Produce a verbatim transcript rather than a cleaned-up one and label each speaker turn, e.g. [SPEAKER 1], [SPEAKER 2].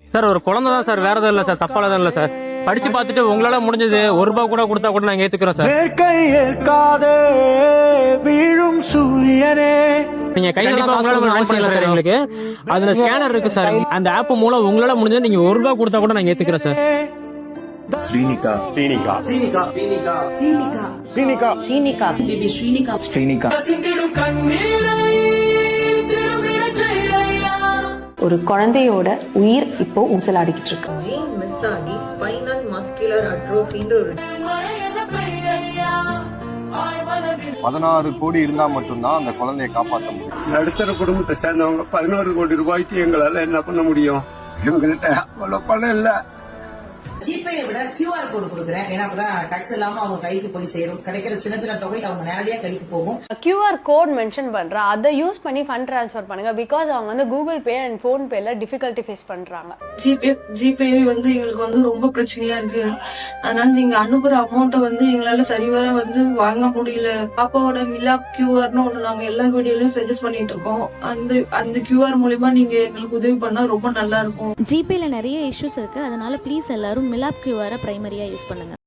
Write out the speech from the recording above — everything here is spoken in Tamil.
[SPEAKER 1] சார் ஒரு குழந்தை தான் சார், வேற எதுவும் இல்ல சார், தப்பால தான் இல்ல சார். படிச்சு பார்த்துட்டு உங்களால முடிஞ்சது ஒரு ரூபாய் கூட கொடுத்தா கூட நாங்க ஏத்துக்கிறோம் சார். வீழும் சூரியனே நீங்க கையில அவசியம் இல்ல சார் எங்களுக்கு. அதுல ஸ்கேனர் இருக்கு சார், அந்த ஆப் மூலம் உங்களால முடிஞ்சது நீங்க ஒரு ரூபாய் கொடுத்தா கூட நாங்க ஏத்துக்கிறோம் சார்.
[SPEAKER 2] ஸ்ரீனிகா ஸ்ரீனிகா ஸ்ரீனிகா ஸ்ரீனிகா ஸ்ரீனிகா ஸ்ரீனிகா பேபி ஸ்ரீனிகா ஸ்ரீனிகா
[SPEAKER 3] ஒரு குழந்தையோட உயிர் இப்போ ஊசலாடிக்கிட்டு இருக்கு.
[SPEAKER 4] ஜீன் மிஸ் ஆகி ஸ்பைனல் மஸ்குலர் அட்ரோஃபின்ற ஒரு
[SPEAKER 2] பதினாறு கோடி இருந்தா மட்டும்தான் அந்த குழந்தையை காப்பாற்ற முடியும்.
[SPEAKER 5] நடுத்தர குடும்பத்தை சேர்ந்தவங்க பதினோரு கோடி ரூபாய்க்கு எங்களால என்ன பண்ண முடியும்? எங்கள்கிட்ட அவ்வளவு பணம் இல்ல.
[SPEAKER 6] ஜிபேயை விட கியூஆர் கோடு கொடுக்குறேன், ஏன்னா அப்பதான் டாக்ஸ் இல்லாம அவங்க கைக்கு போய் சேரும். கிடைக்கிற சின்ன சின்ன தொகை அவங்க நேரடியா கைக்கு போகும்.
[SPEAKER 7] கியூஆர் கோட் மென்ஷன் பண்றேன், அதை யூஸ் பண்ணி ஃபண்ட் ட்ரான்ஸ்ஃபர் பண்ணுங்க. பிகாஸ் அவங்க வந்து கூகுள் பே அண்ட் போன் பேல டிஃபிகல்ட்டி ஃபேஸ் பண்றாங்க.
[SPEAKER 8] ஜிபே ஜிபே வந்து எங்களுக்கு வந்து ரொம்ப பிரச்சனையா இருக்கு. அதனால நீங்க அனுப்புற அமௌண்ட்டை வந்து எங்களால சரிவர வந்து வாங்க முடியல. பாப்பாவோட மிலாப் கியூஆர்னு ஒண்ணு நாங்க எல்லா வீடியோலயும் சஜஸ்ட் பண்ணிட்டு இருக்கோம். அந்த அந்த கியூஆர் மூலியமா நீங்க எங்களுக்கு உதவி பண்ணா ரொம்ப நல்லா இருக்கும்.
[SPEAKER 9] ஜிபேல நிறைய இஷ்யூஸ் இருக்கு, அதனால ப்ளீஸ் எல்லாரும் மிலாப் கியூஆரை பிரைமரியா யூஸ் பண்ணுங்க.